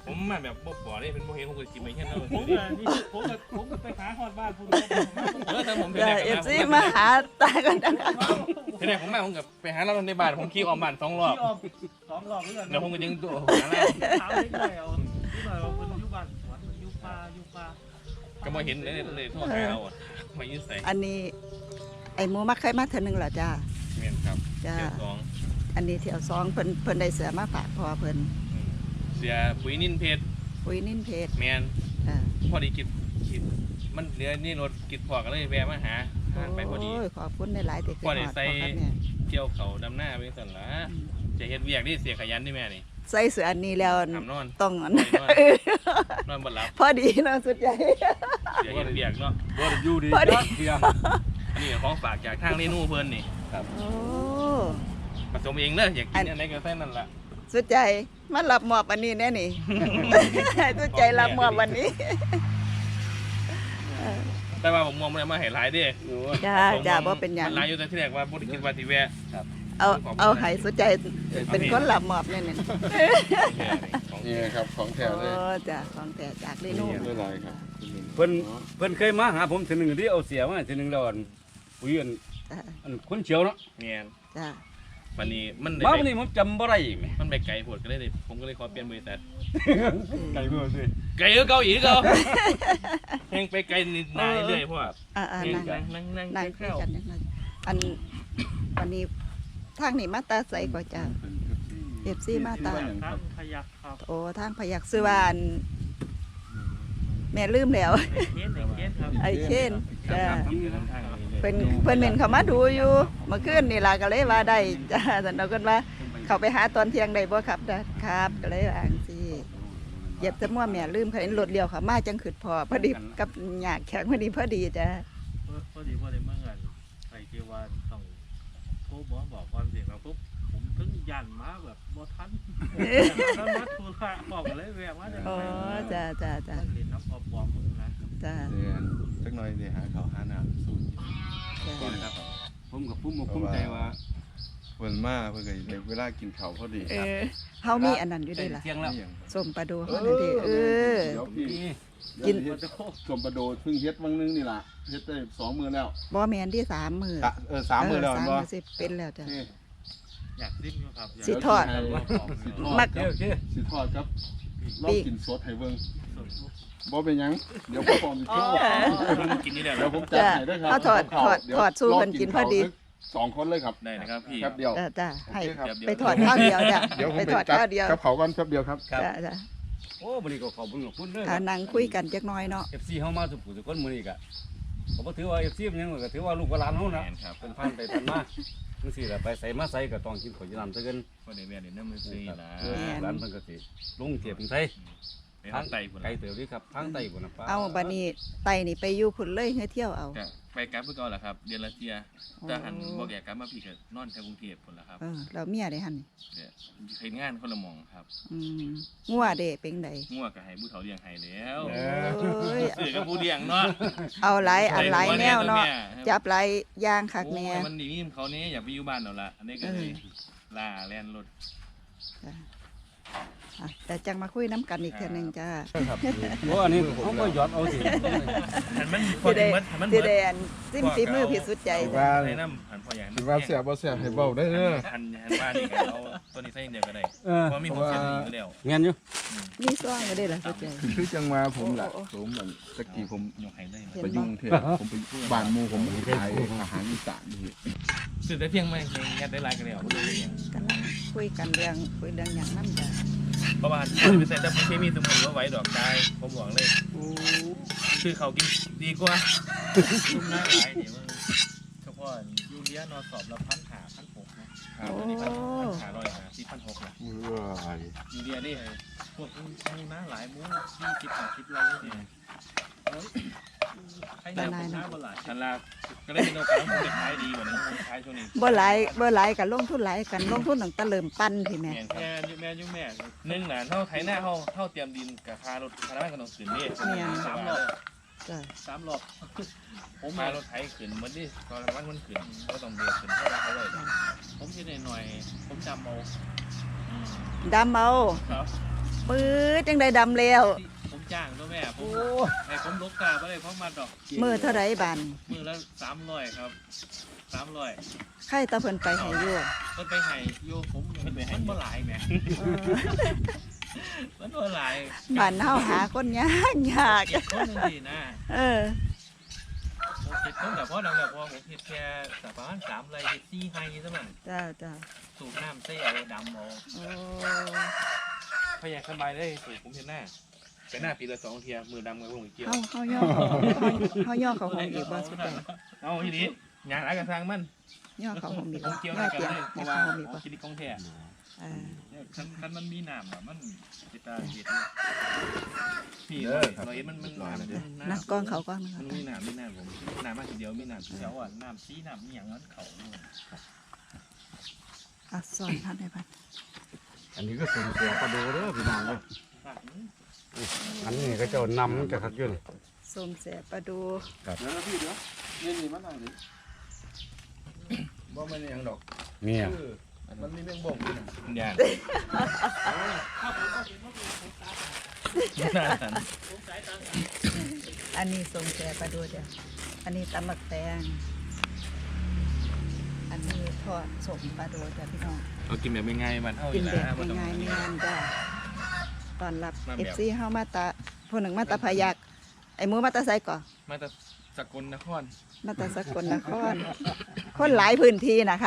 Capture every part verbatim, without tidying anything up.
ผมมาแบบบ่บ่ได้เป็นบ่เห็นผมก็กินไปแค่นั้นผมนี่ผมผมไปหาฮอดบ้านผมเออแต่ผมเป็นเดี๋ยวแรกเอฟซีมาหาตากันนะเป็นแรกผมมาผมกับไปหาเราในบ้านผมขี่ออกบ้านสองรอบที่ออมสองรอบเรื่องเดี๋ยวผมก็ยังตัวหาเราถามเล็กหน่อยเอาที่หน่อยว่ามันอยู่บ้านสวนมันอยู่ป่าอยู่ป่าก็มาเห็นเลยเลยโทษหาเราอ่ะมายืนใส่อันนี้ไอ้หมูมักเคยมาเท่านึงเหรอจ้าเมียนครับจ้าเสียสองอันนี้เที่ยวสองเพิ่นเพิ่นได้เสือมาฝากพอเพิ่นเสียปุ๋ยนิ่นเพชรปุ้ยนิ่นเพชรแมนจ้าพอดีกินกินมันเหลือนี่รถกินพอกันเลยแวะมาหาทานไปพอดีโอ้ยขอบคุณได้หลายๆแต่คือพอได้ฮอดใส่พอครับเนี่ยเกี่ยวเขาดำหน้าไปสั่นละจะเฮ็ดเวียกนี่เสียขยันนี่แม่นี่ใส่เสืออันนี้แล้วทำนอนต้องอันนอนนอนบ่หลับพอดีเนาะสุดใหญ่เสียเฮ็ดเวียกเนาะบ่ได้อยู่ดีพอดีเพียงอันนี้ของฝากจากทางเรนูเพิ่นนี่โอ้ผสมเองเด้ออยากกินอันไหนก็ใส่นั่นล่ะสุดใจมารับมอบอันนี้แน่นี่ สุดใจรับมอบวันนี้แต่ว่าผมมองมันมาให้หลายเด้จ้าจ้าบ่เป็นหยังมันหลายอยู่แต่ที่แรกว่าบ่ได้คิดว่าสิแวะเอาเอาให้สุดใจเป็นคนรับมอบแน่นี่ของนี่ครับของแถโอ้วเลยจ้าของแต่จากเรนูไม่ไรครับเพิ่นเพิ่นเคยมาหาผมทีหนึงที่เอาเสียมาทีหนึงแล้วอันอุ้ยอันจ้าอันคนเฉียวเนาะเมียนจ้าวันนี้มันมาได้วันนี้ผมจำบ่ได้แหมมันไปไกลโพดก็เลยได้ผมก็เลยขอเปลี่ยนบริษัทไก่เบื่อสิไกลก็เกาอีกเก่าแห่งไปไกลนิดหน่อยเรื่อยเพราะว่าอ่าอ่าแห่งนั่งนั่งนั่งนั่นั่งงคุยเข้ากันจังเลยอันวันนี้ทางนี่มาตาใสกว่าจ้าเอฟซีมาตาทางพยักครับโอ้ทางพยักซื้อว่าอันแม่ลืมแล้วไอ้เคนไอ้เคนครับไอ้เช่นจ้าทางทางทางนี้เพิ่นเพิ่นเห็นเขามาดูอยู่เมื่อคืนนี่ล่ะก็เลยว่าได้จ้าแต่เราก็ว่าเขาไปหาตอนเที่ยงได้บ่ครับจ้ะครับก็เลยอ่างสิเหยียบแตะมั่วแม่ลืมเขาเห็นรถเลี้ยวเขามาจังขึ้นพอพอดีกับหยากแข็งพอดีพอดีจ้ะพอดีพอดีเมื่อไงไอ้ที่ว่าต้องโทรบอกบอกความเสียงเราปุ๊บผมถึงยันมาแบบบ่ทันแล้วมาโทรศัพท์บอกเลยแวะมาจะอ๋อจ้าจ้าจ้าเรียนน้ำปอบปอมมึงนะจ้าเรียนสักหน่อยเดี๋ยวหาเขาวหาหน้าสูตรจ้าครับผมกับพุ่มภูมิใจว่าเพิ่นมาเพิ่นก็ในเวลากินข้าวพอดีเออเฮามีอันนั้นอยู่ได้เด้ล่ะเที่ยงแล้วนี่หยังส้มปลาดูเฮานั่นเด้เออเดี๋ยวพี่กินเฮ็ดสมประโดดเพิ่งเฮ็ดวังนึงนี่ล่ะเฮ็ดได้สองมื้อแล้วบ่แม่นที่สามมื้ออะเออสามมื้อแล้วเสามบ่มื้อสิเป็นแล้วจ้ะนี่อยากดิ้นอยู่ครับสิทอดสิทอมัดกครับสิทอดครับลองกินสดให้เบิ่งบ่เป็นหยังเดี๋ยวพ่อผมสิโทรมันกินนี่แหละเดี๋ยวผมจัดให้ด้วยครับเอาถอดถอดเยวถอดสู้เพิ่นกินพอดีสองคนเลยครับได้นะครับพี่แป๊บเดียวจ้าจ้าให้โอเคครับไปถอดข้าวเดียวจ้ะเดี๋ยวผมไปไปถอดจัดข้าวเดียวกับเขาก่อนแป๊บเดียวครับจ้าจ้าโอ้มื้อนี้ก็ขอบคุณขอบคุณเด้อถ้านั่งคุยกันจักหน้อยเนาะเอฟซีเฮามาสุขุสุคนมื้อนี้ก็ก็บ่ถือว่า เอฟ ซี มันหยังก็ถือว่าลูกหลานเฮานะแม่นครับเป็นพันไปพันมาจังซี่ล่ะไปใส่มาใส่ก็ต้องกินข้าวยีน้ำซะเกินก็ได้แวะเดี๋ยวน้ำมือซีละเออร้านเพิ่นก็สิลงเทียบใส่ไปทางไตพุ่นไกลเติบดีครับทางไตพุ่นน่ะป้าเอาบัดนี้ไตนี่ไปอยู่พุ่นเลยให้เที่ยวเอาก็ไปกลับเพื่อก่อนแหละครับเดือนละเทียถ้าหันบ่แก่กลับมาพี่ก็นอนแถวกรุงเทพพุ่นละครับเออเราเมียได้หั่นนี่เดี๋ยวเฮ็ดงานคนละหม่องครับอืมงัวเด้เป็นไดงัวก็ให้ผู้เฒ่าเลี้ยงให้แล้วเอโอ้ยซื้อกับผู้เลี้ยงเนาะเอาหลายอันหลายแนวเนาะจับหลายอย่างคักแน่โอ้ยมันดีมีเขานี้อยากไปอยู่บ้านแล้วล่ะอันนี้ก็เลยลาแล่นรถจ้ะอ่ะแต่จังมาคุยน้ำกันอีกเทื่อหนึงจ้าครับโอ้อันนี้เขาก็หยอดเอาสิหันมันพอสิดีได้มันหันมันสิเบิดได้อันซิมฝีมือพิสุดใจจ้ะว่าในน้ำหันพออย่างสิว่าเสียบ่เสียให้เว้าได้เด้อหันหันบ้านนี่ก็เอาตัวนี้ใส่เดียวก็ได้เออเพราะมีผมเสียดีอยู่แล้วแม่นอยู่มีซ่องก็ได้ล่ะสุดใจคือคือจังว่าผมล่ะผมเหมือนตะกี้ผมยกให้ได้เห็นไปยุ่งเทศผมไปบ้านหมู่ผมขายอาหารอีสานนี่ซื้อแต่เพียงไม่ยัดได้หลายกันแล้วบ่ได้เลยกำลังคุยกันเรื่องคุยเรื่องหยังนำจ้ะเพราะว่าไปใส่แต่เคมีสมุนว่าไหว้ดอกตายผมบอกเลยโอ้คือเขากินดีกว่ายุ่งหน้าหลายเดี๋ยวเฉพาะยูเรียนอสอบละพันหาพันหกนะครับอันนี้พันพันหาร้อยหาสี่พันหกนะเมื่อยยูเรียนี่พวกมูหน้าหลายมูยี่สิบห้าสิบไรเนี่ยให้ได้ผมหน้าบ่หลายทันลาก็ได้เป็นโอกาสที่จะขายดีกว่านี้ขายช่วงนี้บ่หลายบ่หลายก็ลงทุนหลายกันลงทุนตั้งแต่เริ่มปั้นพี่แม่แม่นคแม่รับยุ่แม่ยุ่แม่หนึ่งน่ะเท่าไถหน้าเท่าเท่าเตรียมดินกับคารถคาราบ้านกันต้องขึ้นนี่สามรอบจ้ะสามรอบผมมารถไถขึ้นเหมือนที่คาราบ้านมันขึ้นก็ต้องเบียดขึ้นเท่าไรเขาเลยผมคิดหน่อยผมจำเอาดำเอาครับปื๊ดจังได้ดำแล้วผมจ้างตัวแม่ผมไอ้ผมลกกาบ่ได้เพราะมันดอกมือเท่าไรบานมือละสามร้อยครับสามร้อยใครตาเพิ่นไปให้อยู่มันไปให้โยผมมันมันบ่หลายแหมเออมันบ่หลายบ้านเฮาหาคนยากยากเจ็ดคนนึงสินะเออผมเจ็ดคนแต่พอดังแบบพอผมเฮ็ดแค่สักประมาณสามไรเฮ็ดสี่ไฮซะมันจ้าจ้าสูบน้ำใส่เอาดำเอาโอ้พยายามสบายได้สูผมเห็นหน้าไปหน้าปีละสองเทียมือดำกับผมเกี่ยวเฮาเฮาย่อเฮาย่อเขาห้องอีกบ่สุดแต่เอาทีนี้งานอะไรกันทางมันย่อเขาห้องอีกผบ่มเกี่ยวย่อได้กันเตียงเลยเพย่อราะว่าเขาห้องอีกบ่คิดกองแท้อ่าคันคันมันมีน้ำอะมันจะตาเห็ดพี่เราเห็นมันมันน้ำนักกล้องเขากล้องนะมันมีน้ำมีน้ำผมน้ำมากทีเดียวมีน้ำเดียวอ่ะน้ำซีน้ำมีอย่างนั้นเขาอ่ะสอนท่านได้บัดอันนี้ก็ส่งเสียประดูเด้อพี่น้องเด้ออันนี้ก็เจ้านำจะคักอยู่นี่ส้มแสบปลาดูเดี๋ยวนะพี่เดี๋ยวนี่นี่มันอะไรบ่มันอย่างดอกเนี่ยมันมีเรื่องบ่งด้วยนะยากอันนี้ส้มแสบปลาดูจ้ะอันนี้ตำมักแตงอันนี้ทอดส้มปลาดูจ้ะพี่น้องเรากินแบบง่ายๆมันเท่ากินนะแบบง่ายๆเนียนจ้ะตอนรับเอฟซีเฮามาตาผู้หนึ่งมาตาพายักไอ้หมูมาตาไซก่อมาจากสกลนครมาตาสกลนครคนหลายพื้นที่นะคะ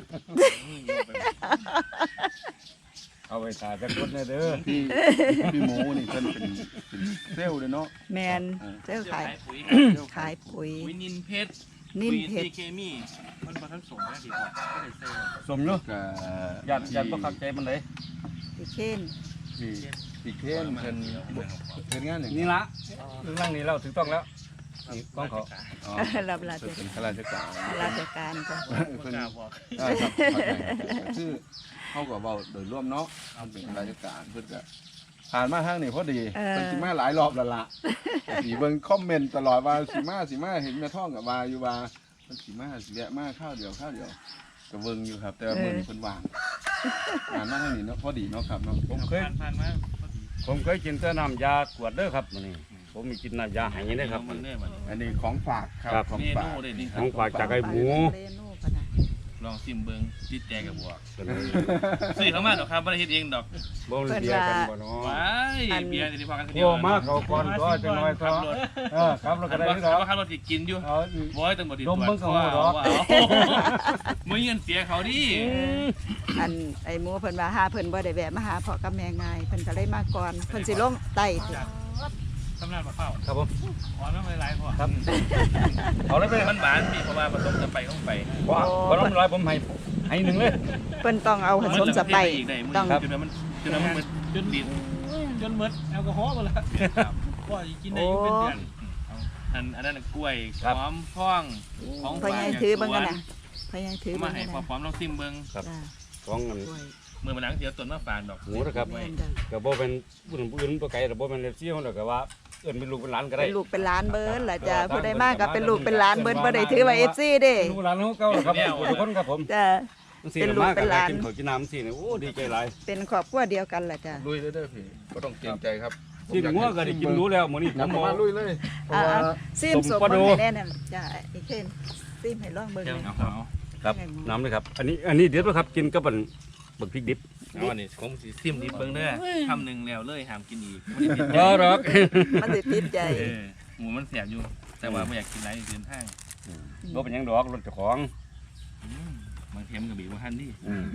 เอาไปถ่ายจักคนเด้อพี่พี่หมูนี่เพิ่นเป็นเป็นเซลล์เลยเนาะแมนเจ้าขายปุ๋ยขายปุ๋ยวินินเพชรนิ่มเพชรปุ๋ยเคมีมันผสมนะที่พอก็ได้เซลล์สมอยู่ก็ญาติญาติบ่คักใจมันเลยพี่เช่นพี่พี่เคนเพิ่นเพิ่นงานอย่างนี่ละเรื่องร่างนี้เราถูกต้องแล้วนี่กล้องเขาอ๋อรับราชเพิ่นเป็นข้าราชการราชการจ้ะเพิ่นอ่าครับเข้าใจครับคือเฮาก็เว้าโดยรวมเนาะเพิ่นเป็นข้าราชการเพิ่นก็ผ่านมาทางนี้พอดีเพิ่นสิมาหลายรอบแล้วล่ะสิเบิ่งคอมเมนต์ตลอดว่าสิมาสิมาเห็นแม่ท้องกับว่าอยู่ว่าเพิ่นสิมาสิแวะมาข้าวเดียวข้าวเดียวก็เบิ่งอยู่ครับ แต่ว่ามื้อนี้เพิ่นว่างผ่านมาทางนี้เนาะพอดีเนาะครับเนาะผมเคยผ่านผ่านมาพอดีผมเคยกินแต่น้ำยากวดเด้อครับมื้อนี้ผมมีกินน้ำยาไหเด้อครับมันเนี่ยมันอันนี้ของฝากครับครับของเมฝานูกเลยนี่คขรัอบ งฝากจากไอ้หมูเรนูปะนะลองซิมเบิงติดใจกับบวกเป็นไงซื้อเข้ามาดอกครับบ่ได้เฮ็ดเองดอกบ่มันเบียร์กันบ่เนาะว้ายเบียร์นี่พอกันทีเดีโอ้ยวมาเขาก่อนก็จังน้อยก็เออครับเราก็ได้ว่าคือเราขับรถสิกินอยู่เอาบ่ให้ตำรวจติดดมเบิ่งก็รู้ดอกว้าวมื้อเงินเสียเขาดิอันไอ้หมูเพิ่นว่าหาเพิ่นบ่ได้แวะมาหาพ่อกับแม่ง่ายเพิ่นก็เลยมาก่อนเพิ่นสิลงไต่ทำงานปลาเผาครับผมอ๋อน้ำลายๆพอครับเอาเลยไปมันหวานพี่เพราะว่าผสมจะไปต้องไปว่าบ่ต้องร้อยผมให้ให้หนึ่งเลยเพิ่นต้องเอาผสมสไปซ์อีกได้มื้อต้องจนมันจนมันจนดินจนหมดแอลกอฮอล์หมดแล้วว่าสิกินได้อยู่เป็นเดือนอันอันนั้นกล้วยหอมพ่องของพ่อใหญ่ถือเบิ่งกันน่ะพ่อใหญ่ถือมาเบิ่งให้กันพอน่ะพร้อมลองซิมเบิ่งครับจ้าของเงินกล้วยเมื่อมาหลังเดี๋ยวต้นมาฝานดอกหมูนะครับแม่นจ้ะก็บ่เป็นผู้หนุ่มผู้อื่นบ่ไกลแต่บ่เป็นเอฟซีเฮาดอกก็ว่าเอิ้นเป็นลูกเป็นหลานก็ได้เป็นลูกเป็นหลานเบิ้นล่ะจ้ะผู้ใดมากก็เป็นลูกเป็นหลานเบิ้นบ่ได้ถือว่า เอฟ ซี เด้ลูกหลานเฮาเก่าครับทุกคนครับผมจ้ะ เป็นลูกเป็นหลานกินข้าวกินน้ำสิเนี่ยโอ้ดีใจหลายเป็นครอบครัวเดียวกันล่ะจ้ะลุยเลยเด้อพี่บ่ต้องเกรงใจครับที่งัวก็ได้กินรู้แล้วมื้อนี้นำมาลุยเลยเพราะอ่าว่าๆซิมสมสมปลาดูเบิ่งให้แน่นั่นจ้ะไอ้เช่นซิมให้ลองเบิ่งเดี๋ยวเลยเอาเอาครับน้ำเลยครับ อันนี้อันนี้เด็ดบ่ครับกินกับบันบักพริกดิบเอาอันนี้ผมสิซิมดิบเบิ่งเด้อคำหนึงแล้วเลยห้ามกินอีกบ่หรอกมันสิติดใจเออหมูมันแสบอยู่ แต่ว่าไม่อยากกินไรเดินทางบ่เป็นหยังดอกรถเจ้าของอืมบางเทมกับบีว่าฮันนี่อืม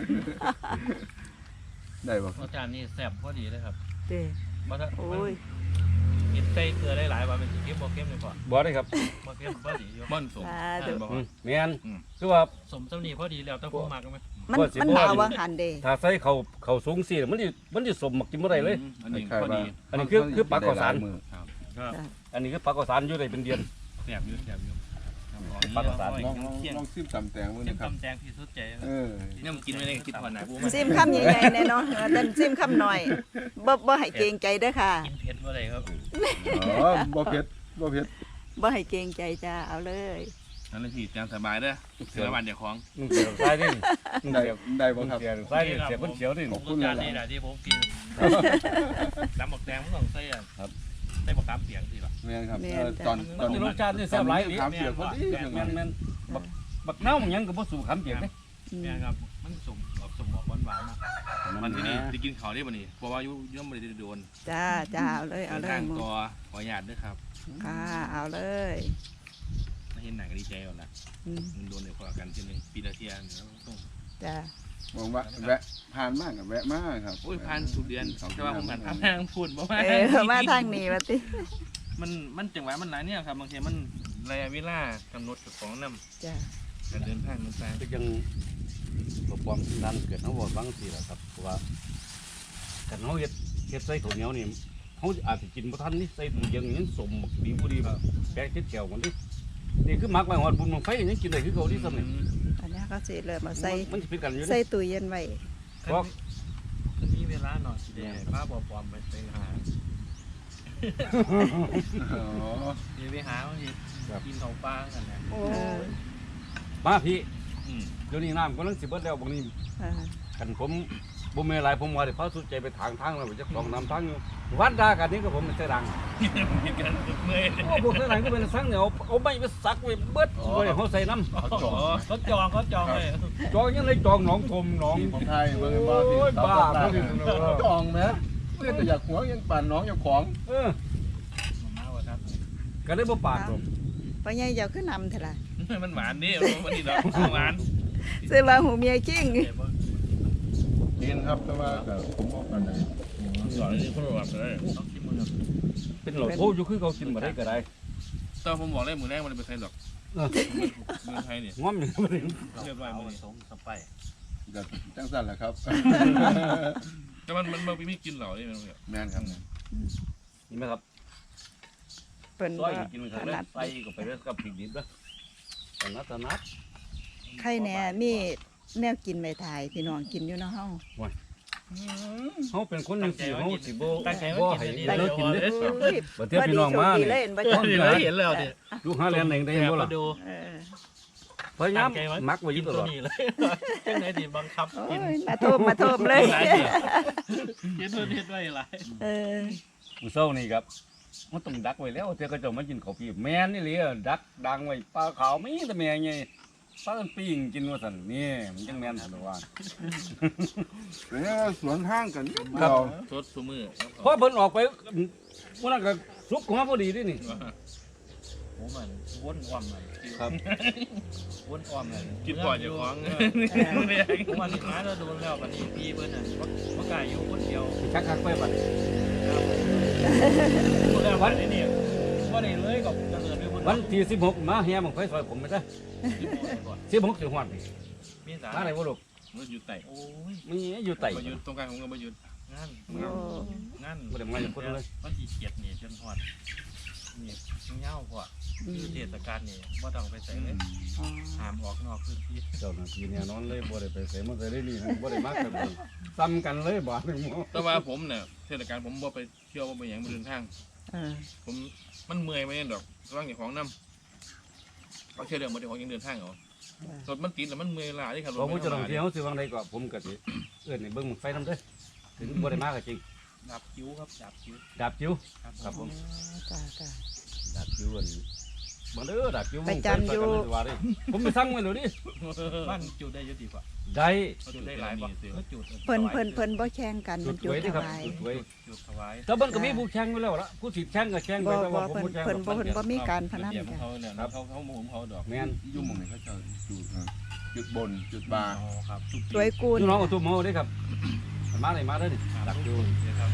ได้บ่รสชาตินี่แซ่บพอดีเลยครับเด้บ่ถ้าโอ้ยกินใส่เกลือได้หลายว่าเป็นสิเค็มบ่เค็มเลยพอบ่ได้ครับบ่เค็มพอดีอยู่ม่อนสมสาเอธุอบอกอืว่ามแม่นอืมคือว่าสมสำนีพอดีแล้วต้องผมมักกันไหมมันว่าสิมันบ่หนาววังหันเด้ถ้าใส่ข้าวข้าวสูงสิมันสิมันสิสมมักกินบ่ได้เลยอันนี้คล้ายพอๆว่าดีอันนี้คือคือปลาข้าวสารมือก็อันนี้คือปลากระสานอยู่ได้เป็นเดือนแสบอยู่แสบอยู่ปลากระสานลองลองลองซิมตำแตงมื้อเค็นี้มครับตำแตงที่สุดใจเออเนี่ยมันกินไม่ได้กินผ่อนหนาบูมันซิมคำใหญ่ๆแน่เนาะเออแต่ซิมคำน้อยบ่บ่ให้เกรงใจเด้อค่ะกินเผ็ดบ่ได้ครับอ๋อบ่เผ็ดบ่เผ็ดบ่ให้เกรงใจจ้าเอาเลยกนั่นเลยพี่จางสบายเด้อเสือวันเดี๋ยวของนุ่งเสียใส่ดินุ่งได้เสียได้บ่นุ่งครับเสียใส่ดิเสียคนเสียวดิผมรสชาตินี่แหละที่ผมกินน้ำหมกแดงมันต้องใส่อ่ะครับใส่หมกกามเปียกสิล่ะแม่นครับแม่นเออจ้ะตอนตมัอน นจะรสชาตินี่แซ่บหลายดิถามเสียพอดีแม่นแม่นแม่นบักบักเน่ามันยังก็บ่สู่คำเปียกเด้อืมเนี่ยครับมันสมออกสมออกหวานๆนะมันที่นี่ได้กินเขาได้บ่นี่เพราะว่ายุ่ย่อมไม่ได้โดนจ้าจ้าเอาเลยเอาเลทาย งหมูตัวขออนุญาตด้วยครับค่ะเอาเลยถ้าเห็นหนังก็ดีใจก่อนละอืมมันโดนเดี๋ยวพอกันทีนึงปีละเทียนแล้วต้องจ้าบอกว่าแวะผ่านมากกับแวะมากครับโอ้ยพันสุดเดือนแต่ว่าผมกันทำแพงพูดบ่ว่าเออมาทางนี้มาติมันมันจังหวะมันหลายเนี่ยครับบางทีมันระยะเวลากำหนดของน้ำจ้าการเดินทางมันต่างก็ยังบ่ความนั้นเกิดเฮาบ่ฟังสิล่ะครับเพราะว่าคันเฮาเฮ็ดเฮ็ดใส่ข้าวเหนียวนี่เฮาอาจสิกินบ่ทันนี่ใส่ตู้เย็นนี่สมบักดีบ่ดีแบบแปะเจ็ดแก้วกันดินี่คือมักไว้ฮอดบุญบังไฟยังกินได้คือเก่าที่ซ้ำนี่อันนี้ก็สิเริ่มมาใส่มันสิเป็นกันอยู่ใส่นี่ตู้เย็นไว้เพราะถ้ามีเวลาหน่อยสิได้ป้าบอปลอมไปไปหาอ๋อเดี๋ยวไปหาบางทีกินเขาปลากันนะเออมาพี่อืมเดี๋ยวนี้น้ำกำลังสิเบิดแล้วบางนี้เออคันผมบ่มีอะไรผมว่าได้พาสุดใจไปทางทางแล้วจะของน้ำทางอยู่วัดดากันนี้ก็ผมมันจะดังมีการเมื่อยโอ้พวกนั้นก็เป็นสังเนี่ยเอาเอาไม้ไปสักไว้เบิดไว้เฮาใส่น้ำเขาจอดเขาจองเขาจองเลยจองยังเลยจองหนองทมหนองที่ของไทยเบิ่งบ่ที่โอ้ยบ้าเขาเขาดิจองแหมเพื่อแต่อยากหัวยังปั่นน้องยังของเออมาว่าครับก็เลยบ่ปากผมพ่อใหญ่เจ้าขึ้นนำเถอะล่ะมันหวานดิมันนี่ดอกหวานซื้อว่าหูเมียกิ้งเดี๋ยวว่ากินครับแต่ว่าก็ผมบอกกันนะสอนนี่คนแบบเลยต้องกินมือเป็นโหลดโพอยู่คือเขากินบ่ได้ก็ได้ตอนผมบอกเลยมือแรกมันเป็นใครหรอกเออเมืองไทยเนี่ยง้อมอยู่บ่ได้เรียบร้อยเอามือนี่สมสไปก็จังสั่นแหละครับแต่มันมันมันไม่กินเหล่านี่มันแบบแม่นครับนี่ไหมครับเพิ่นซบ่อยกินไปถทางนั้นันดใส่ก็ไปเรื่อยกับพริกดิบนะถนัดถนัดใครแหน่มีแนวกินไม่ทายพี่น้องกินอยู่เนาะเฮาเฮาเป็นคนจังซี่เฮาสิบ่ตั้งใจบ่ว่าให้กินเลิกกินเด้เฮ้ยบ่เทียบพี่น้องมาพดีโชคดีนี่เลยเห็นบ่เอจ้ะอนี่เลยเห็นแล้วเนี่ยลูกหาแลนเองได้เห็นบ่ล่ะดูเออพยายามมักไว้อกิยู่นตตัลวอดนี้เลยจังไหนที่บังคับโอ้กินยมาโทมมาโทมเลยกินตัวนี้ด้วยอะไรเออมื้อเช้านี่ครับมันต้องดักไว้แล้วเจ้าก็จะมากินข้าวปีแม่นนี่เลยดักดังไว้ปลาขาวมีแต่แม่ใหญ่ปลากันปิ้งกินว่าซั่นนี่มันจังแม่นซั่นว่าแล้วสวนห้างกันครับเราสดสมือพอเพิ่นออกไปมื้อนั้นก็สุกหัวพอดีเดินี่ผมมันวนอ้อมเลยครับวนอ้อมเลยกินบ่อยอย่าของผมวันนี้มาแล้วโดนแล้ววันนี้พี่เพิ่นน่ะว่ากายอยู่คนเดียวคักคักๆไปบัดคนแล้ววันนี้เนี่ยว่าได้เลยกับจะเดินไปบนวันที่สิบหกมาแห่บังไฟซอยผมไปซะสิบหกสิฮอดนี่มีสามาได้บ่ลูกมันอยู่ไต่โอ้ยมีอยู่ไต้ประยุทธ์ตรงกลางของเราประยุทธ์งานโอ้งานบ่ได้มาจากคนเลยวันที่เจ็ดนี่จนฮอดนี่เงาพอคือเทศกาลนี่บ่ต้องไปใส่เลยอ๋อห้ามออกนอกพื้นที่เจ้าหน้าที่เนี่ยนอนเลยบ่ได้ไปไสมาไสได้นี่บ่ได้มากันเลยซ้ำกันเลยบ่นึงหมอแต่ว่าผมเนี่ยเทศกาลผมบ่ไปเที่ยวบ่ไปหยังบ่เดินทางเออผมมันเมื่อยไหมดอกร่างอย่างของน้ำเขาเชื่อเรื่องบ่ได้ของยังเดินทางเหรอรถมันติดแล้วมันเมื่อยล้าที่ขับรถบ่ผู้ไม่เจ้าหเท่าน้าไหที่ร่เฮาสิวางใดก็ผมก็สิเอิ้นให้เบิ่งบั้งไฟนำเด้อถึงบ่ได้มาก็จริงดับคิ้วครับดับคิ้วดาบจิ๋วครับครับผมจ้าจ้าดาบจิ๋วอันบ่เด้อดาบจิ๋วไปจำอยู่ว่าดิผมไปสั่งไว้แล้วดิบ้านจุดได้เยอะดีกว่าได้จุดได้หลายบ่จุดเพิ่นเพิ่นเพิ่นบ่แข่งกันจุมัดนสจุดวยเด้อถครับวายจุดสวยจุดถวายแต่มันก็มีผู้แข่งอยู่แล้วล่ะผู้สิแข่งก็แข่งไปบ่แต่บ่ว่าผมเพิ่นบ่แข่งเพิ่นบ่เพิ่นบ่มีการพนันเดี๋ยวกันเขาเนี่ยเขาเขาหมุนเขาดอกแม่นยุ่งหมองนี้เขาจะจุดจุดบนจุดบาอ๋อครับจุดสวยกูลพี่น้องเอาตุ้มเฮาเด้อครับมาได้มาเด้อนี่ดักจิ๋วครับ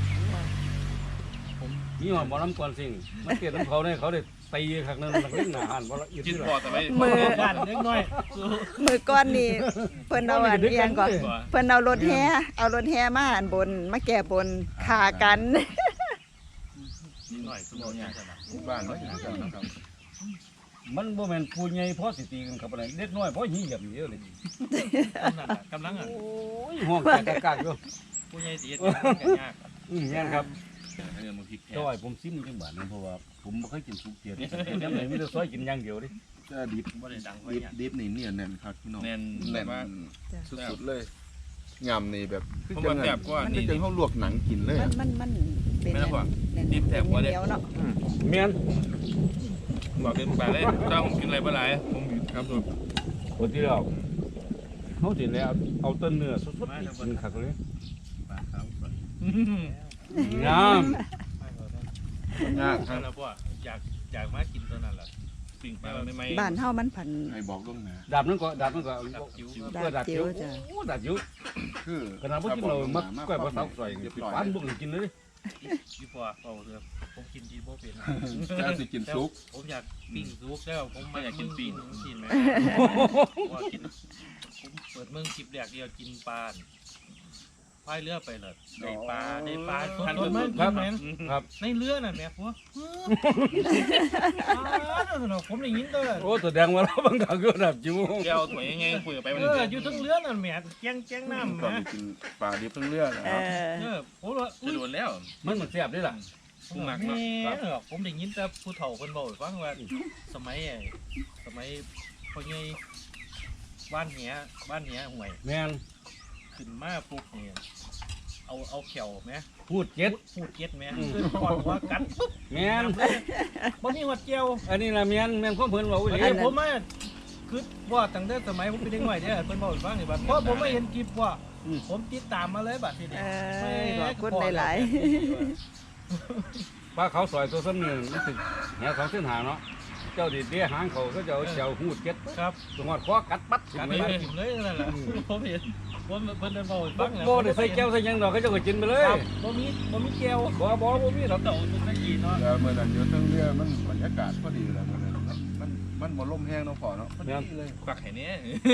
มีหอดบ่น้ำก่อนสิ่งมันเกิดน้ำเขาเนี่ยเขาได้ตีขักนึงมันเล่นหนาหันบ่ละอีกกินทีพอละแต่ไม่มือบ้านเล็กน้อยมือก้อนนี่เพิ่นเอาอันเอียงก่อนเพิ่นเอารถแห่เอารถแห่มาอันบนมาแก่บนขากันหน่อยสมองอย่างขนาดจุดบ้านเขาอย่างนั้นนะครับมันบ่แม่นผู้ใหญ่พอสิตีกันครับอะไรเล็กน้อยพอหีเหยียบเดียวเลยกำลังอ่ะโอ้ยห้องแกกากๆอยู่ผู้ใหญ่ตีกันยากอืมแม่นครับเงินมันพริกแพงจ้อยผมซิมจังบาดนึงเพราะว่าผมบ่เคยกินสุกเกียรติยังไงมีแต่ซอยกินอย่างเดียวดิจะดิบบ่ได้ดังไว้ดิบเนี่ยดิบนี่เนี่ยแน่นครับพี่น้องแน่นแน่นว่าสุดๆเลยยำนี่แบบคือผมจัว่าง แซ่บกว่าคือนี่จังเขาลวกหนังกินเลยมันอะมันมันเป็นไม่ต้องห่วงแน่นๆดิบแซ่บกว่าเด้เหนียวเนาะเมียนบอกเป็นปลาเลยถ้าผมกินอะไรบ่หลายผมหยุดครับสุดคนที่เราเขาสิแล้วเอาต้นเนื้อสดๆนี่กินคักเลยปลาขาวสดงามไม่เอาได้ยากคนั่รับนแหละพ่ออยากอยากมากินตัวนั้นแหละปิ่งปลาไม่ไม่บ้านเฮามันผันให้บอกล่วงหน้าดาบนั้นก็ดาบนั้นก็ดับจิ๋วดาบก็ดาบจิ๋วจิ๋วจ้ะโอ้ดาบจิ๋วคือขนาดบ่กินเรามักก้อยปลาเสาใส่เรียบปิดร้อยปานบุกเลยกินเลยพี่พ่อเอาเถอะผมกินดีโบเป็นแล้วสิกินซุปผมอยากปิ้งซุกแล้วผมไม่อยากกินปิ้งกินไหมว่ากินผมเปิดเมืองคลิปแรกเดียวกินปลาพายเรือไปเลยได้ปลาได้ปลาทันมันครับแมนครับในเรือน่ะแม่พวกผมได้ยินตัวโอ้ตัวแดงมาแล้วบางครั้งก็ดาบจิ๋วแก้วสวยยังไงคุยกับไปมันเอออยู่ทั้งเรือน่ะแม่แจ้งแจ้งน้ำก่อนนะไปกินปลาดิบทั้งเรื่องนะเอครับอเออผมว่าจะโดนแล้วมันมันแซ่บด้วยล่ะผมหมักเนาะผมได้ยินแต่ผู้เฒ่าคนบอกฟังว่าสมัยไอ้สมัยพ่อใหญ่บ้านเหียบ้านเหียห่วยแม่นขึ้นมาปุ๊บเนี่ยเอาเอาเขียวไหมพูดเจ็ดพูดเก็ดไหมคือก่อนว่ากัดปุ๊บแม่นบ่มีหัวเจียวอันนี้ล่ะแม่นแม่นของเพิ่นเว้าอีหลีไอ้ผมมาคือว่าตั้งแต่สมัยผมเป็นเด็กน้อยเนี่ยเพิ่นบอกให้ฟังนี่บัดเพราะผมไม่เห็นคลิปว่าผมติดตามมาเลยบัดทีนี้เออขอบคุณหลายปลาเขาวซอยตัวซ้ำหนึ่งมันถึงแหสองเส้นหาเนาะเจ้าดิเดียหางเขาก็จะเอาเจียวหูดเจ็ดครับตรงหอดคอกัดปัดขึ้นกัดไปไปเลยกินเลยนั่นแหละผมเห็นผมเพิ่นเดินบอกให้ฟังบ่ได้ใส่แก้วใส่หยังดอกเขาเจะก็กินไปเลยครับบ่มีบ่มีเจียวบ่บ่บ่มีดอกเต่าเป็นตะกี้เนาะแล้วเมื่อนั้นอยู่ทั้งเรือมันบรรยากาศพอดีเลยมันมันมันมันบ่ลมแห้งเนาะพอเนาะพอดีเลยควักไข่เนี้ย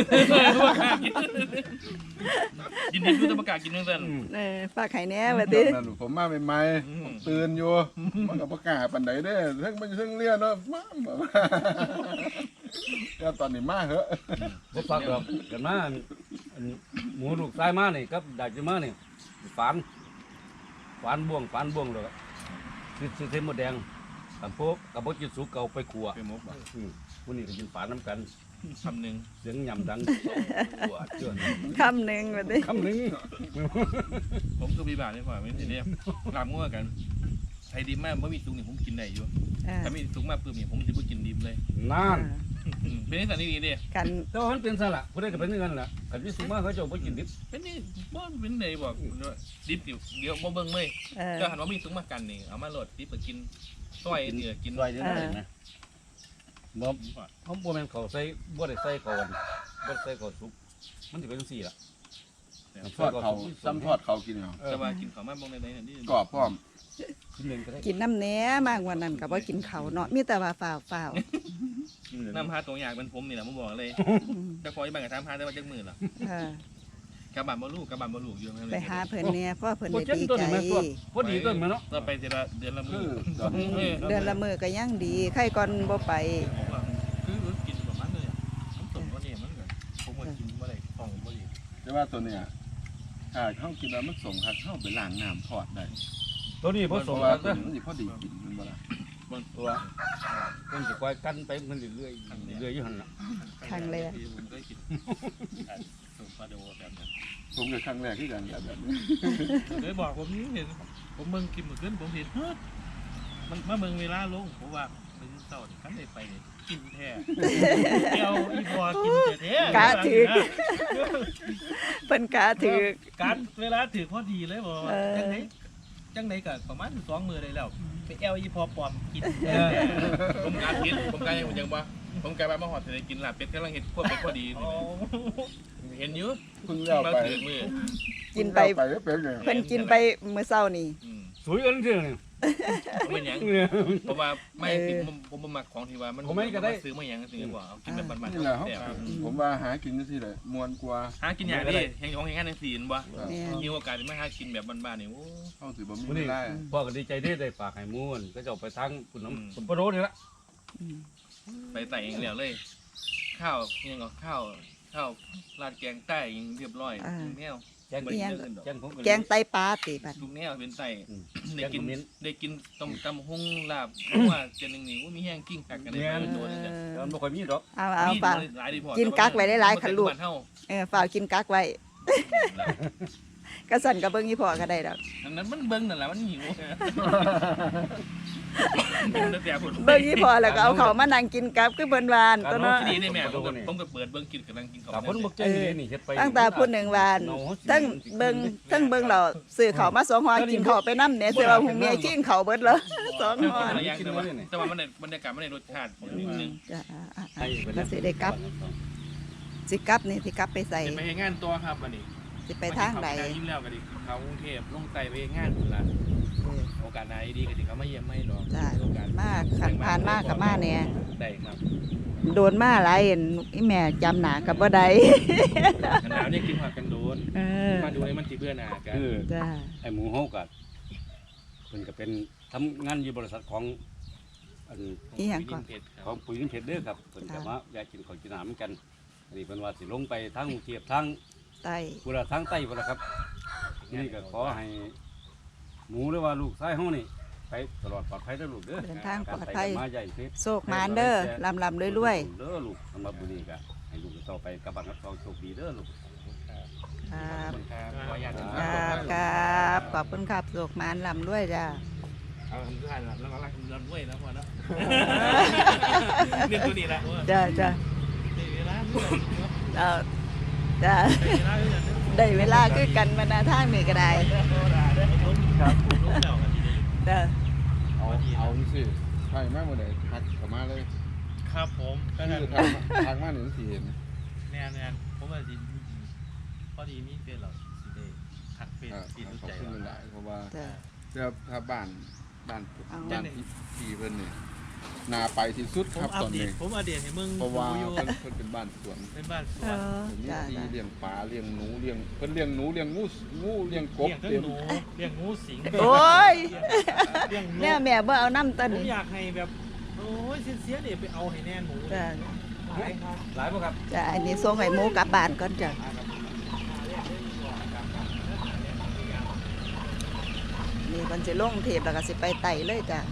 กินดิบดูแต่ประกาศกินเรื่องนั้นอืมๆเออฝากไข่แหน่บัดตนี้อนนั้นผมมาใหม่ๆผมตื่นอยู่มันก็ประกล้าศปานใดเด้อเทั้งมันเทั้งเรือเนาะมาบอกว่าแล้วตอนนี้มาเหอะบ่ฟักดอกกันมาอันอันหมูลูกชายมานี่กับดาจิมานี่ฝานฝานบ่วงฝานบ่วงดอกคือคือเทมหมดแดงกับพวกกับบ่กินสุกเก่าไปขัวเป็นมุกบ่อืมผู้นี้ก็กินฝานน้ำกันคำหนึ่งเสียงยำดังปวดเจือนคำหนึงบัดนี้คำหนึงผมคือพี่บาทนี่กว่าไม่ใช่เนี่ยลามงัวกันไทยดิบมากเมื่อมีตุงนี่ผมกินได้อยู่เออถ้ามีตุงมากปุ๊บนี่ผมจะไม่กินดิบเลยนั่นเป็นนิสัยดีๆดิกันแต่ว่ามันเป็นซะละผู้ใดก็เป็นอย่างนั้นล่ะกันที่สุมาเขาเจะบ่กินดิบเป็นนี่บ่เป็นไหนบอกดิบเดี๋ยวเดี๋ยวบ่เบิ่งเลยเออก็หันว่ามีตุงมากันนี่เอามาโหลดดิบไปกินซอยเนื้อกินซอยเดียวได้นะบ่เขาบ่แม่นเขาใส่บ่ได้ใส่ก่อนบ่ได้ใส่ก่อนสุกมันสิเป็นจังซี่ล่ะทอดเขาซ้ำทอดเขากินเอาแต่ว่ากินข้าวมาบ่งในไหนนี่กรอบพร้อมกินหนึงก็ได้กินน้ำแหน่มากกว่านั้นก็บ่กินข้าวเนาะมีแต่ว่าฝ่าวฝ่าวกินหนึ่งน้ำพาตัวอย่างเป็นผมนี่แหละผมบอกเลยอืมจะคอยบ้านกับทำพาได้ว่าจักมือล่ะเออกระบาดบ่ลูกกระบาดบ่ลูกอยู่นั่นเลไปยหาเพิ่นเนี่ยเพราะเพิ่นบ่ได้เจ็บดีตัวใจนี้แม่นตัวพอดีตัวแม่นเนาะเราไปเดือนละเดือนละมืคืออตอนนี้เดือนละมื้อก็ยังดีใครก่อนบ่ไปผมว่าคือกินประมาณเลยน้ำต้มก็เนี่ยมันก็ผมก็กินบ่ได้ของบ่ดีแต่ว่าตัวเนี้ยถ้าเขากินแล้วมันส่งครับเข้าไปล้างน้ำทอดได้ตัวนี้ผเพสมราะว่ากันตัวเด้อนี้มันสิพอดีกินมันบ่ล่ะตัวเพิ่นสิคอยกันไปเพิ่นเรื่อยๆเรื่อยๆอยู่หั่นน่ะครั้งแรกผมเคยกินสูตรปลาโดแบบนั้นผมก็ครั้งแรกที่กันแบบนี้เคยบอกผมเห็นผมเบิ่งกินมื้อคืนผมเห็นเฮ้ยมันมาเบิ่งเวลาลงผมว่าเป็นเช้านี่คันได้ไปนี่กินแท้เดียวอีพอกินแท้ๆกะถึก เพิ่นกาถือการเวลาถือพอดีเลยบอกว่าเออจังไหนจังไหนก็ประมาณสองมือเลยแล้วไปเอลอีพอปลอมกินผมการกินผมการยังผมยังบ่ผมการมาหอดเสร็จกินลาบเป็ดกำลังเห็ดพวกเป็ดพอดีอ๋อเห็นอยู่เพิ่งเลี้ยวมาไปถือมือกินไปเพิ่งเลี้ยวไปแล้วเป็นไงเพิ่นกินไปมื้อเช้านี่สวยกันซื่อนี่ผมเป็นหยังเนี่ยเพราะว่าไม่สิผมผมบ่มักของที่ว่ามันผมไม่ก็ได้ซื้อมาหยังซื้อบ่เอากินแบบบ้านๆนี่แหละเขาแต่ผมว่าหากินจังซี่แหละมวนกว่าหากินอย่างนี้แห่งของแห่งงานในศีลบ่แม่นมีโอกาสได้มาหากินแบบบ้านๆนี่โอ้เข้าสิบ่มีมื้อเวนี้ลาพ่อก็ดีใจที่ได้ฝากให้หมู่นก็จะเอาไปทางคุณน้ำคุณปะโรนี่ละอืมไปใส่เองแล้วเลย ข้าวยังก็ข้าวข้าวราดแกงใต้ยังเรียบร้อยแมวแกงบ่อิหได้ยังเรื่องอื่นดอกแกงผมแกงไตปลาติบัดทุกแนวเป็นไตอืมได้กินแกงขมิ้นได้กินต้มตำหุ่งลาบเพราะว่าเจนหนึ่งนี่ว่ามีแห้งกิ้งกักกันได้ไปเป็นตัวนึงเอแล้วอมันบ่ค่อยมีดอกเอาเอามีฝากหลายดีพอกินกักไว้หลายๆคันลูกบ้านเฮาเออฝากกินกักไว้ก็สั่นกับเบิ่งอีพ่อก็ได้ดอกอันนั้นมันเบิ่งนั่นแหละมันหิวแต่แต่ผมเบิ่งอีพ่อแล้วก็เอาเขาวมานั่งกินกับคือเบิ่นวานตัวเนาะที่นี่นี่แม่ผมก็ผมก็เปิดเบิ่งกินกับนั่งกินข้าวกับคนบ่ใจดีนี่เฮ็ดไปตั้งแต่พูดหนึ่งวานทั้งเบิ่งทั้งเบิ่งเราซื้อเขาวมาสองห่อกินเขาวไปนำเนี่ยสิว่าหุงเมียกินเขาวเบิดเลยสองห่อแต่อย่างแต่ว่าแต่ว่ามันได้บรรยากาศมันได้รสชาตินิดนึงจ้ะอ่ะอ่ะให้อ่ะไปแล้วสิได้กลับสิกลับนี่สิกลับไปใส่จะไปเฮ็ดงานตัวครับวันนี้สิไปทางใดยิ้มแล้วก็ดิเขากรุงเทพลงไต่ไปเฮ็ดงานพุ่นล่ะเออโอกาสไหนดีก็สิเขามาเยี่ยมไม่หรอกจ้ะโอกาสมากขันผ่านมากกับมาเนี่ยได้ครับโดนมาหลายเห็นอีแม่จำหนากับบ่ได้ขนาดนี้กินผักกันโดนเออมาดูให้มันสิเบื่อหน้ากันคือจ้าไอ้หมูเฮาก็เพิ่นก็เป็นทำงานอยู่บริษัทของอันอีหยังก่อนเพชรคขรัอบ งปุ๋ยนิเพชรเด้อครับเพิ่นก็มาอยากกินข้าวกินน้ำเหมือนกันอันนี้เพิ่นว่าสิลงไปทางกรุงเทพทางไตพุ่นละทางใต้พุ่นละครับนี่ก็ขอให้หมูหรือว่าลูกชายเฮานี่ไปตลอดปลอดภัยเด้อลูกเด้อเดินทางปลอดการภัไปยกันมาใหญ่เพชรโชคมานเด้อลำลำรวยรวยเด้อลูกสำหรับมื้อนี้ก็ให้ลูกต่อไปกับบ้านกับเขาโชคดีเด้อลูกๆครับครับขออนุญาตครับครับขอบคุณครับโชคมานลำรวยจ้าเอาทำด้วยแล้วแล้วก็รักเงินด้วยแล้วพอแล้วเรื่องตัวนี้ละว่าจ้าจ้าได้เวลาเมื่อไหร่เนาะเอาจ้าได้เวลาเมื่อไหร่เนาะได้เวลาคือกันมาหนาทางนี่ก็ได้ครับผมรู้แล้วกันทีนี้จ้าเอาเอาสิใช่มากเมื่อไหร่ทักเข้ามาเลยครับผมก็คืนั่นอทางทางมาหนึ่งสิเห็นแน่แน่ผมว่าสิพอดีมีเป็นหรอกสิได้ทักเป็นอ่าสิรู้ขอบใจคุณเราหลายๆเพราะว่าจ้าเจ้าถ้าบ้านบ้านเอาบ้านที่ที่เพิ่นนี่นาไปที่สุดผคมรับอัตปอนเดนี้ตผมอัปเดตให้มึงเพราะว่าดูอยู่เพิ่นเพิ่นเป็นบ้านสวนเป็นบ้านสเอวนอผมมีจ้าที่จ้าเลี้ยงปลาเลี้ยงหนูเลี้ยงเพิ่นเลี้ยงหนูเลี้ยงงูงูเลี้ยงกบเลี้ยงทั้งเต็มหนูเลี้ยงงูสิงโอ้ยเลี้ยงนแม่กแม่บ่เอาน้ำต้นผมนี่อยากให้แบบโอ้ยเสียๆเนี่ยไปเอาให้แน่นหมูจ้าหลายครับหลายบ่ครับจ้าอันนี้ส่งให้หมูกลับบ้านก่อนจ้านี่มันสิลงเทปแล้วก็สิไปไต่เลยจ้า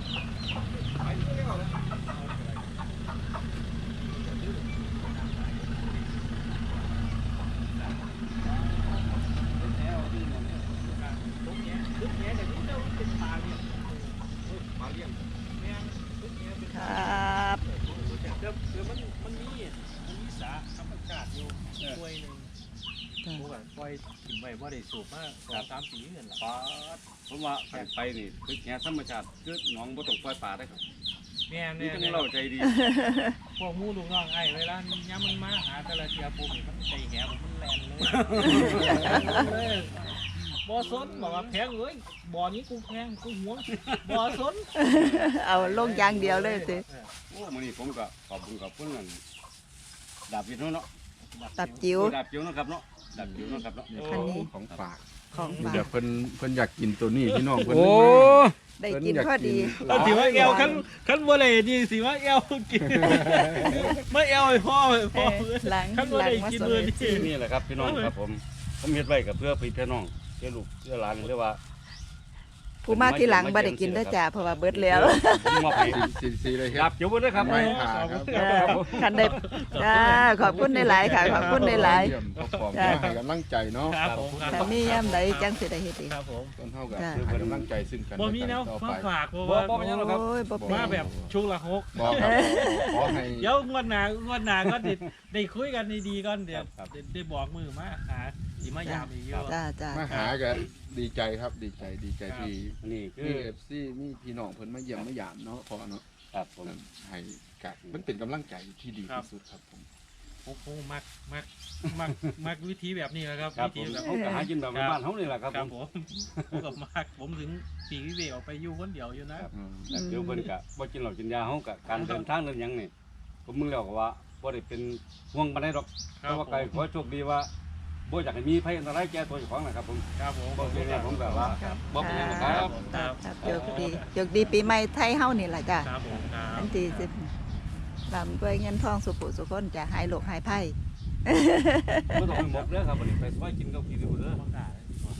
ครับเดี๋ยวเดี๋ยวมันมันมีมันมีสาธรรมชาติอยู่ถ้วยหนึ่งจ้าผมก็ปล่อยกินไว้ว่าได้สูบมาสองสามปีเงินละปลาผมว่าไปไปนี่คือแง่ธรรมชาติคือหนองบ่ต้องปล่อยปลาได้ครับแม่นี่เนี่ยต้องเราใจดีพวกหมูลูกน้องไอ้เวลาย้ำมันมาหาแต่ละเทียปุ๊บนี่มันใจแหบมันแลนเลยบ่สนบอกว่าแพงเอ้ยบ่อนี้กูแพงกูหวงบ่สนเอาลงอย่างเดียวเลยสิโอ้มื้อนี้ผมก็ขอบคุณขอบคุณนั่นดาบยินเนาะตับจิ๋วดาบจิ๋วเนาะครับเนาะดาบจิ๋วเนาะครับเนาะอันนี้ของฝากของฝาเดี๋ยกวเพิ่นเพิ่นอยากกินตัวนี้พี่น้องเพิ่นได้กินพอดีเพิ่นถืออยว่ากกินเอวคันคันบ่ได้ดีสิว่าเอวกินไม่เอวให้พ่อให้เอพ่ออหลังคันบ่หลังได้มากินสมือมนี่นี่แหละครับพี่น้องครับผมผมเฮ็ดไว้กับเพื่อพี่พี่น้องเพื่อลูกเพื่อหลานเรียกว่าผู้มาที่หลังบ่ได้กินได้อจ้าเพราะว่าเบิดแล้วผมมอบให้สีสีเลยคดารับบ จิ๋วเด้อครับไม่ขาครับจ้าคันได้จ้าขอบคุณหลายๆค่ะขอบคุณหลายเยี่ยมขอบคุณให้กำลังใจเนาะครับผมคๆรับถ้ามียามใดจังสิได้เฮ็ดอีกครับผมต้นเท่ากับจ้ะให้กำลังใจซึ่งกันบ่มีแนวต่อมาไปฝากเพราะบ่ว่าบ่เป็นหยังหรอกครับโอ้ยบ่เป็นมาแบบชุกละหกบอกครับขอให้เดี๋ยวงวดหน้างวดหน้าก็ได้ได้คุยกันดีๆก่อนเดี๋ยวได้ได้บอกมือมาหาสิมายามอีกเยอะจ้าจ้ามาหากันดีใจครับดีใจดีใจที่นี่คืมีอเอฟซีมีพี่น้องเพิ่นมาเยี่ยมมาหยามเนาะพอเนาะครับผมให้กัมันเป็นกำลังใจที่ดีที่สุดครับผมโอ้โหมักมักมักมักวิธีแบบนี้แหละครับครับวิผธีมแบบเขาก็หากินแบบบ้านๆเฮานี่แหละครับคผรับมผมผมกับมักผมถึงปีวิเวกออกไปอยู่คนเดียวอยู่นะอืมแต่เดี๋ยวเพิ่นก็บ่กินเหล้ากินยาเฮาก็การเดินทางเดินหยังนี่ผมมึงแล้วก็ว่าบ่ได้เป็นห่วงปานใดดอกแต่ว่าไกขอโชคดีว่าบ่อยากให้มีภัยอันตรายแก่ตัวเจ้าของนะครับผมครับผมบ่เป็นไรผมแบบว่าบ่เป็นหยังนะครับครับครับโชคดีโชคดีปีใหม่ไทยเฮานี่ล่ะจ้าครับผมครับอันที่สิบลำด้วยเงินทองสุขสุขคนจะหายโรคหายภัยบ่ต้องไปหมกเด้อครับบัดนี้ไปซอยกินข้าวกินอยู่เด้อประกาศ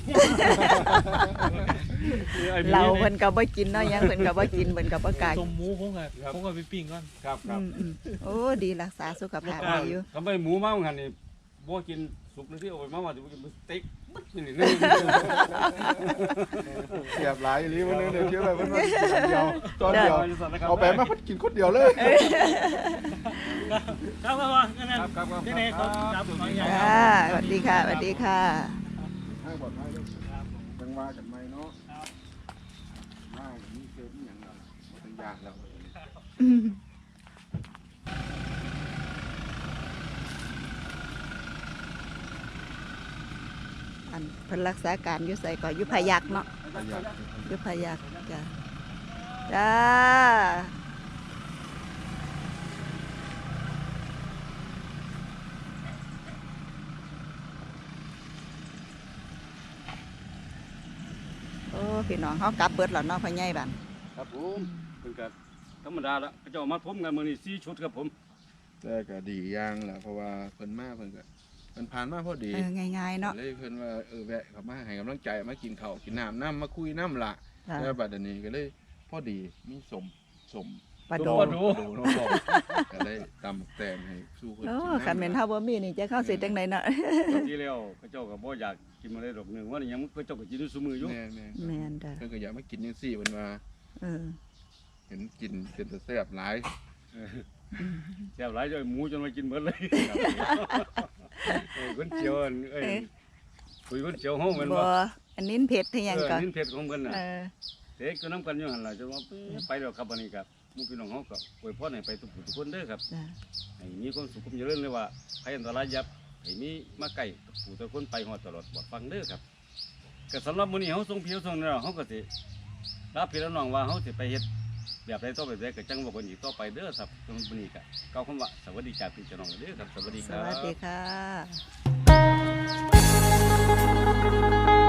เราเพิ่นก็บ่กินเนาะหยังเพิ่นก็บ่กินเพิ่นก็บ่กล้าต้มหมูผมก็ผมก็ไปปิ้งก่อนครับคอืรับมอืมโอ้ดีรักษาสุขภาพไว้อยู่ทำไมหมูมาหันนี่บ่กินสุกเลยที่เอาไปมาว่าจะกินสเต็กบึ้ดนี่นี่เสียบหลายอีหลีมันนึงเดี๋ยวเชื่อไปเพิ่นว่ากินอันเดียวตอนเดียวเอาไปมาเพิ่นกินคนเดียวเลยครับครับว่านั่นครับครับครับที่ไหนเขาครับขออนุญาตจ้าสวัสดีค่ะสวัสดีค่ะให้บอกให้ด้วยจังว่ากันไหมเนาะว่ากันนี่เกิดอหย่างเราบ่ต้องยากแล้วอืมอันเพิ่นรักษาการอยู่ไสก็อยู่พะยักเนาะประหยัดอยู่พะยักจ้าจ้าโอ้พี่น้องเฮากลับเบิดแล้วเนาะพ่อใหญ่บัดครับผมเป็นก็ธรรมดาละเขาเจ้ามาพร้อมกันมื้อนี้สี่ชุดครับผมแต่ก็ดีอย่างแหละเพราะว่าเพิ่นมาเพิ่นก็เพิ่นผ่านมาพอดีเออง่ายๆเนาะเลยเพิ่นว่าเออแวะเข้ามาให้กำลังใจมากินข้าวกินน้ำน้ำมาคุยน้ำละจ้ะแล้วบัดนี้ก็เลยพอดีมีสมสมปลาโดปลาโดน้องบอกก็เลยตำแตงให้สู้เพิ่นโอ้กินคันแม่นเฮาบ่มีนี่จะเข้าสิจังไดเนาะที่แล้วเขาเจ้าก็บ่อยากกินมาได้ดอกหนึงว่านี่ยังเขาเจ้าก็กินอยู่ซุมื้ออยู่แม่แม่แม่นจ้ะเพิ่นก็อยากมากินจังซี่เพิ่นว่าเออเห็นกินเป็นตะแซ่บหลายแซ่บหลายจนหมูจนมากินหมดเลยเออคนเจียวอันเอ้ยคุยคนเจียวเฮาแม่นบ่บ่อันนี้เผ็ดที่หยังเออก่อนนี่เผ็ดของเพิ่นน่ะเออเด็กก็นำกันอยู่หั่นล่ะจะว่าไปแล้วครับบัดนี้ครับหมู่พี่น้องเฮาก็อวยพรให้ไปทุกผู้ทุกคนเด้อครับจ้ะให้มีความสุขความเจริญเลยว่าภัยอันตรายยับให้มีมาไกลผู้ทุกคนไปฮอดตลอดปลอดฟังเด้อครับก็สำหรับมื้อนี้เฮาส่งพี่ส่งน้องเฮาก็สิลาพี่และน้องว่าเฮาสิไปเฮ็ดแบบใดต่อแบบใดก็จังว่าคนอีกต่อไปเด้อครับสำหรับมื้อนี้ก็กล่าวคำว่าสวัสดีจากพี่เจ้าน้องเด้อครับสวัสดีสครับวัสดีค่ะ